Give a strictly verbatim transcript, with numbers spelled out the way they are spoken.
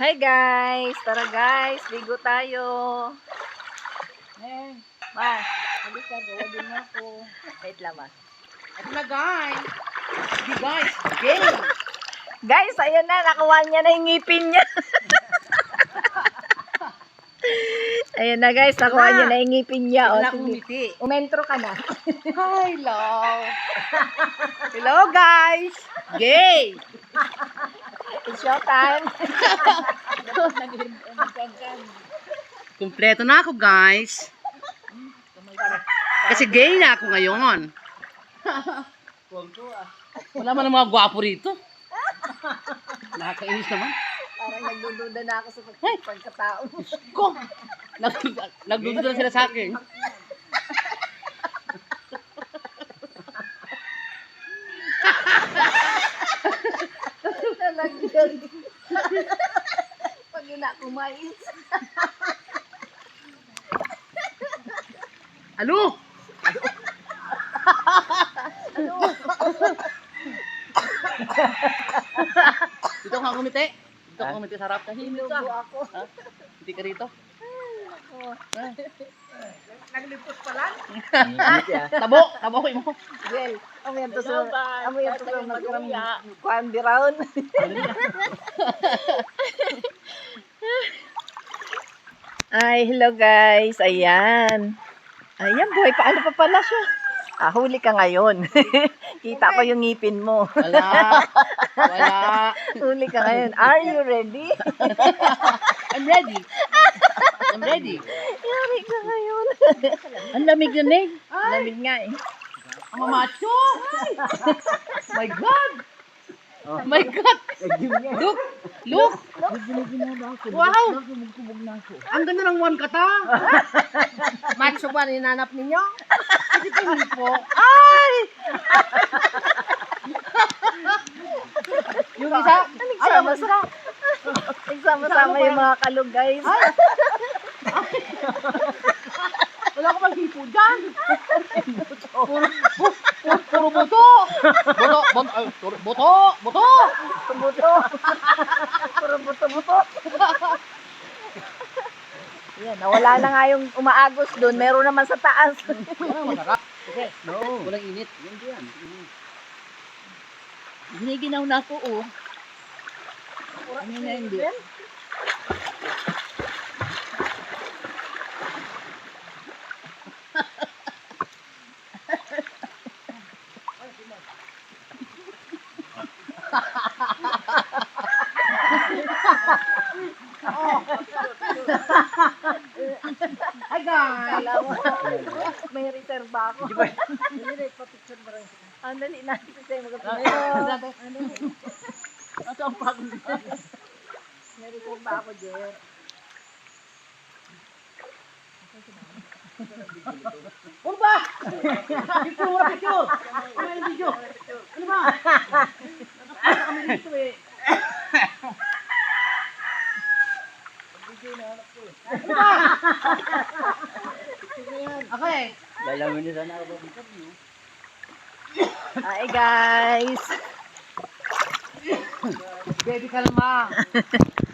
Hi guys! Tara guys, ligo tayo. Eh, Ma, alis ka, gawa din mo ako. wait lang ma. Ito na guys. Di guys, game. Guys, ayan na, nakuha niya na yung ngipin niya. Ayan na guys, nakuha Ma, niya na yung ngipin niya. O, Wala sige. akong ngiti. Umentro ka na. Hello. Hello guys. Gay. It's your time. Kumpleto na ako guys. Kasi gay na ako ngayon. Wala man ang mga gwapo rito. Nakakainis naman. Parang nagdududa na ako sa pag- pagkatao. Ko! Nag Nagdududa na sila sa akin. Nalagyan. Pag ina kumais. Ano? Dito ka kumite. Dito ka kumite sa harap. Tahimik ka. Inubo ako. Ha? Hindi ka rito. Naglipos pa lang. Tabo. Tabo ko mo. Well, amo yan to sa amo yan to sa magkaram kuan biraon. Ay, hello guys. Ayan. Ayan, buhay pa. Ano pa pala siya? Ah, huli ka ngayon. Kita ko yung ngipin mo. Wala. Wala. Huli ka ngayon. Are you ready? I'm ready. I'm ready. Yari ka ngayon. Ang lamig na eh. Lamig nga eh. Ang mamacho. My God. My God. Look. Look. Wow. Ang ganda ng one kata. Macho ba ninanap ninyo? Kasi tingin po. Ay! Yung isa. Nagsama-sama. Nagsama-sama yung mga kalog guys. Wala ko maghipo dyan. Puro, pu- pu- puro buto. Buto, buto, ay, puro- buto, buto. Buto-buto. Puro buto-buto. Yan, nawala na nga yung umaagos doon. Meron naman sa taas. Ano, masarap. Okay. No. Walang init. Yan diyan. Giniginaw na ako, oh. Ano na hindi? Hi guys! Kala mo, may reserva ako. Dali, pa-picture ba rin? Ang dali natin sa'yo mag-picture. Ito ang pagod. May reserva ako, Jer. Ano ba? Picture mo na picture! Ano yung video? Ano ba? Nakapasa kami dito eh. Ano ba? Okay. Lalaman niyo sana ako interview. Hi guys! Baby kalma.